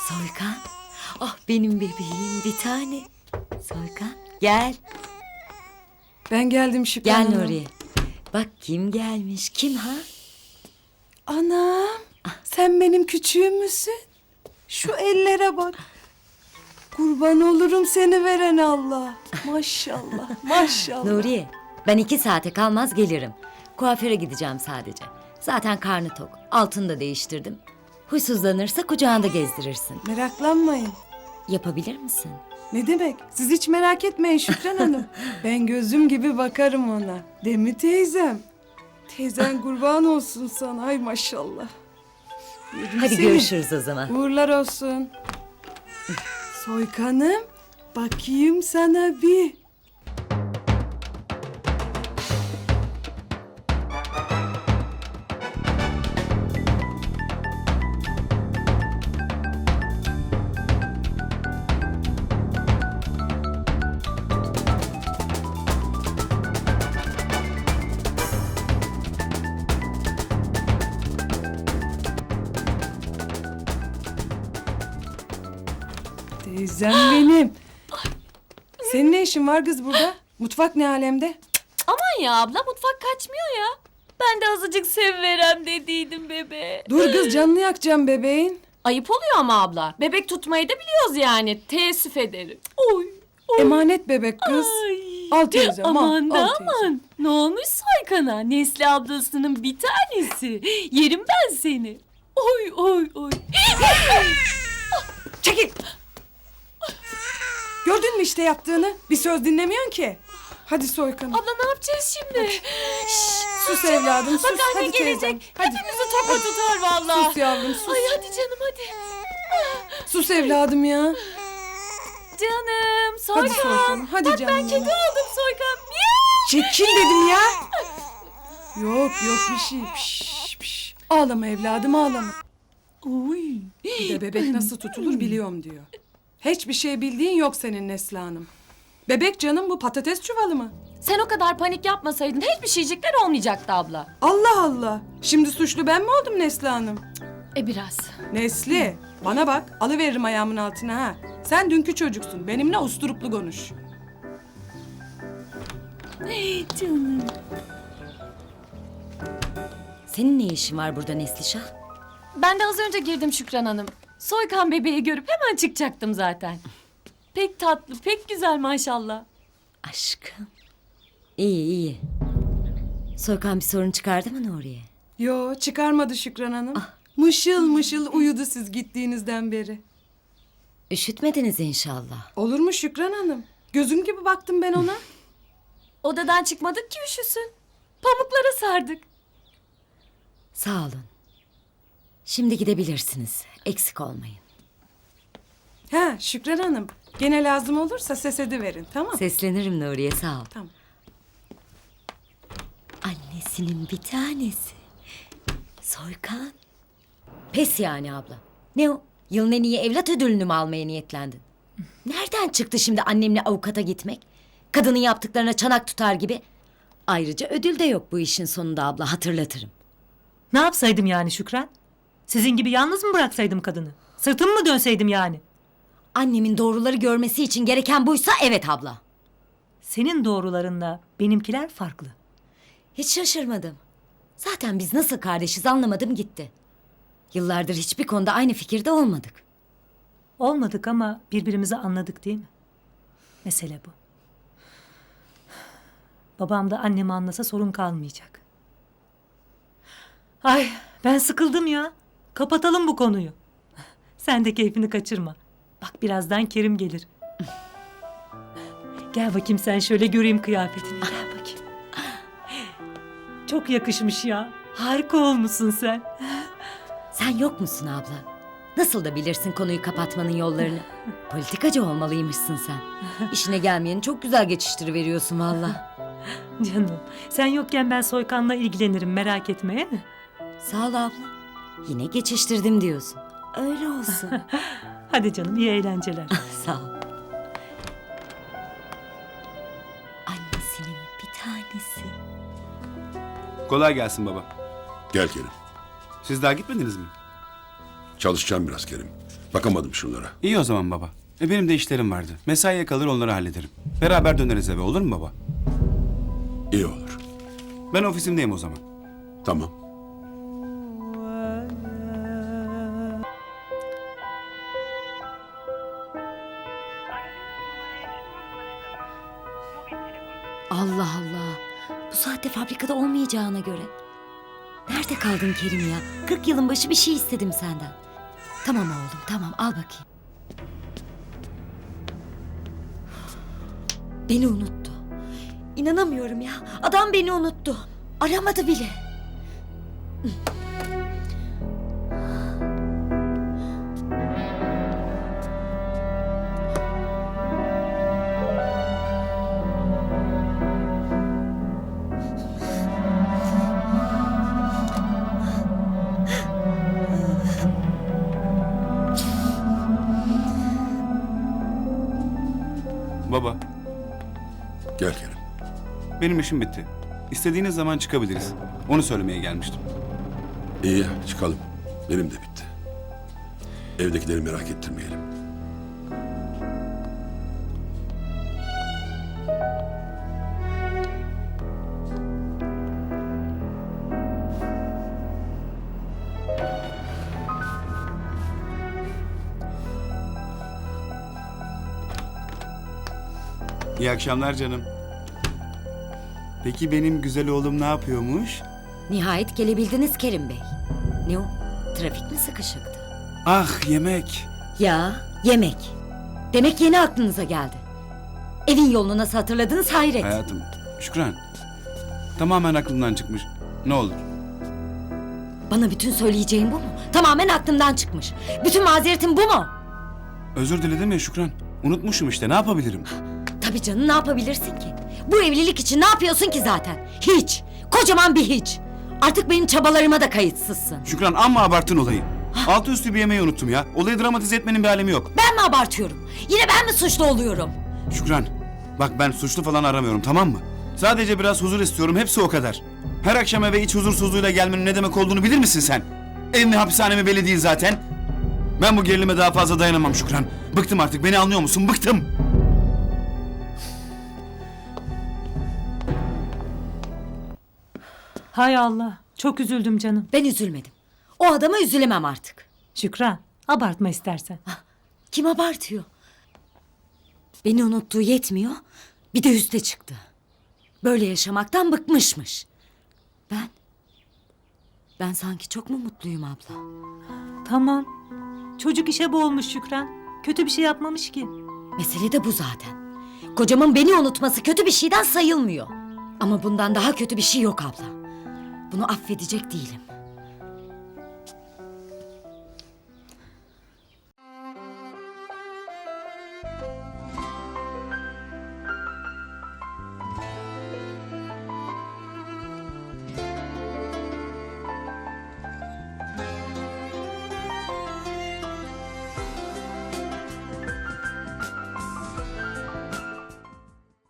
Soykan. Ah benim bebeğim bir tane. Soykan gel. Ben geldim Şükran Gel Hanım. Nuriye. Bak kim gelmiş kim ha? Anam sen benim küçüğüm müsün? Şu ellere bak. Kurban olurum seni veren Allah. Maşallah maşallah. Nuriye ben 2 saate kalmaz gelirim. Kuaföre gideceğim sadece. Zaten karnı tok. Altını da değiştirdim. Huysuzlanırsa kucağında gezdirirsin. Meraklanmayın. Yapabilir misin? Ne demek? Siz hiç merak etmeyin Şükran Hanım. Ben gözüm gibi bakarım ona. Değil mi teyzem? Teyzen kurban olsun sana. Ay maşallah. Yerim Hadi seni. görüşürüz o zaman. Uğurlar olsun. Soykanım, bakayım sana bir. Teyzem benim. Senin ne işin var kız burada? Mutfak ne alemde? Aman ya abla mutfak kaçmıyor ya. Ben de azıcık seviverem dediydim bebe. Dur kız canını yakacağım bebeğin. Ayıp oluyor ama abla. Bebek tutmayı da biliyoruz yani. Teessüf ederim. Oy. Oy. Emanet bebek kız. Ay. Al teyzem, al, Aman da al teyzem. aman. Ne olmuş Soykan'a? Nesli ablasının bir tanesi. Yerim ben seni. Oy oy oy. Çekil. Gördün mü işte yaptığını? Bir söz dinlemiyorsun ki. Hadi Soykanım. Abla ne yapacağız şimdi? Şşş, Sus evladım sus. bak anne Hadi teyzem. gelecek. Hadi. Hepimizi topa tutar vallahi. Sus yavrum sus. Ay hadi canım hadi. Sus evladım ya. Canım Soykan. Hadi Soykanım. Hadi Bak canım. ben kedi oldum Soykan. Miyav. Çekil dedim ya. Yok yok bir şey. Piş, piş. Ağlama evladım ağlama. Oy. Bir de bebek nasıl tutulur biliyorum diyor. Hiçbir şey bildiğin yok senin Nesli Hanım. Bebek canım bu patates çuvalı mı? Sen o kadar panik yapmasaydın hiçbir şeycikler olmayacaktı abla. Allah Allah. Şimdi suçlu ben mi oldum Nesli Hanım? Biraz. Nesli bana bak alıveririm ayağımın altına ha. Sen dünkü çocuksun benimle usturuplu konuş. Canım. Senin ne işin var burada Neslişah? Ben de az önce girdim Şükran Hanım. Soykan bebeği görüp hemen çıkacaktım zaten. Pek tatlı, pek güzel maşallah. Aşkım. İyi iyi. Soykan bir sorun çıkardı mı Nuriye? Yo çıkarmadı Şükran Hanım. Mışıl mışıl uyudu siz gittiğinizden beri. Üşütmediniz inşallah. Olur mu Şükran Hanım? Gözüm gibi baktım ben ona. Odadan çıkmadık ki üşüsün. Pamuklara sardık. Sağ olun. Şimdi gidebilirsiniz. Eksik olmayın. Ha Şükran Hanım. Gene lazım olursa ses ediverin tamam. Seslenirim Nuriye sağ ol. Tamam. Annesinin bir tanesi. Soykan. Pes yani abla. Ne o? Yılın en iyi evlat ödülünü mü almaya niyetlendin? Nereden çıktı şimdi annemle avukata gitmek? Kadının yaptıklarına çanak tutar gibi. Ayrıca ödül de yok bu işin sonunda abla hatırlatırım. Ne yapsaydım yani Şükran? Sizin gibi yalnız mı bıraksaydım kadını? Sırtımı mı dönseydim yani? Annemin doğruları görmesi için gereken buysa evet abla. Senin doğrularınla benimkiler farklı. Hiç şaşırmadım. Zaten biz nasıl kardeşiz anlamadım gitti. Yıllardır hiçbir konuda aynı fikirde olmadık. Olmadık ama birbirimizi anladık değil mi? Mesele bu. Babam da annemi anlasa sorun kalmayacak. Ay ben sıkıldım ya. Kapatalım bu konuyu. Sen de keyfini kaçırma. Bak birazdan Kerim gelir. Gel bakayım sen şöyle göreyim kıyafetini. Gel bakayım. Çok yakışmış ya. Harika olmuşsun sen. Sen yok musun abla? Nasıl da bilirsin konuyu kapatmanın yollarını. Politikacı olmalıymışsın sen. İşine gelmeyeni çok güzel geçiştiriveriyorsun valla. Canım sen yokken ben Soykan'la ilgilenirim merak etme he mi? Sağ ol abla. Yine geçiştirdim diyorsun. Öyle olsun. Hadi canım iyi eğlenceler. Sağ ol. Annesinin bir tanesi. Kolay gelsin baba. Gel Kerim. Siz daha gitmediniz mi? Çalışacağım biraz Kerim. Bakamadım şunlara. İyi o zaman baba. Benim de işlerim vardı. Mesaiye kalır onları hallederim. Beraber döneriz eve, olur mu baba? İyi olur. Ben ofisimdeyim o zaman. Tamam. Allah Allah. Bu saatte fabrikada olmayacağına göre. Nerede kaldın Kerim ya? 40 yılın başı bir şey istedim senden. Tamam oğlum tamam al bakayım. Beni unuttu. İnanamıyorum ya. Adam beni unuttu. Aramadı bile. Baba, Gel Kerim. benim işim bitti. İstediğiniz zaman çıkabiliriz. Onu söylemeye gelmiştim. İyi çıkalım. Benim de bitti. Evdekileri merak ettirmeyelim. İyi akşamlar canım. Peki benim güzel oğlum ne yapıyormuş? Nihayet gelebildiniz Kerim Bey. Ne o? Trafik mi sıkışıktı? Ah yemek. Ya yemek. Demek yeni aklınıza geldi. Evin yolunu nasıl hatırladınız hayret. Hayatım, Şükran. Tamamen aklımdan çıkmış. Ne olur. Bana bütün söyleyeceğin bu mu? Tamamen aklımdan çıkmış. Bütün mazeretin bu mu? Özür diledim ya Şükran. Unutmuşum işte, ne yapabilirim? Tabii canım ne yapabilirsin ki? Bu evlilik için ne yapıyorsun ki zaten? Hiç. Kocaman bir hiç. Artık benim çabalarıma da kayıtsızsın. Şükran amma abarttın olayı. Altı üstü bir yemeği unuttum ya. Olayı dramatize etmenin bir alemi yok. Ben mi abartıyorum? Yine ben mi suçlu oluyorum? Şükran, bak ben suçlu falan aramıyorum, tamam mı? Sadece biraz huzur istiyorum, hepsi o kadar. Her akşam eve iç huzursuzluğuyla gelmenin ne demek olduğunu bilir misin sen? Ev mi hapishane mi belli değil zaten. Ben bu gerilime daha fazla dayanamam Şükran. Bıktım artık, beni anlıyor musun? Bıktım. Hay Allah. Çok üzüldüm canım. Ben üzülmedim. O adama üzülemem artık. Şükran, abartma istersen. Kim abartıyor? Beni unuttuğu yetmiyor. Bir de üste çıktı. Böyle yaşamaktan bıkmışmış. Ben sanki çok mu mutluyum abla? Tamam. Çocuk işe boğulmuş Şükran. Kötü bir şey yapmamış ki. Mesele de bu zaten. Kocamın beni unutması kötü bir şeyden sayılmıyor. Ama bundan daha kötü bir şey yok abla. Bunu affedecek değilim.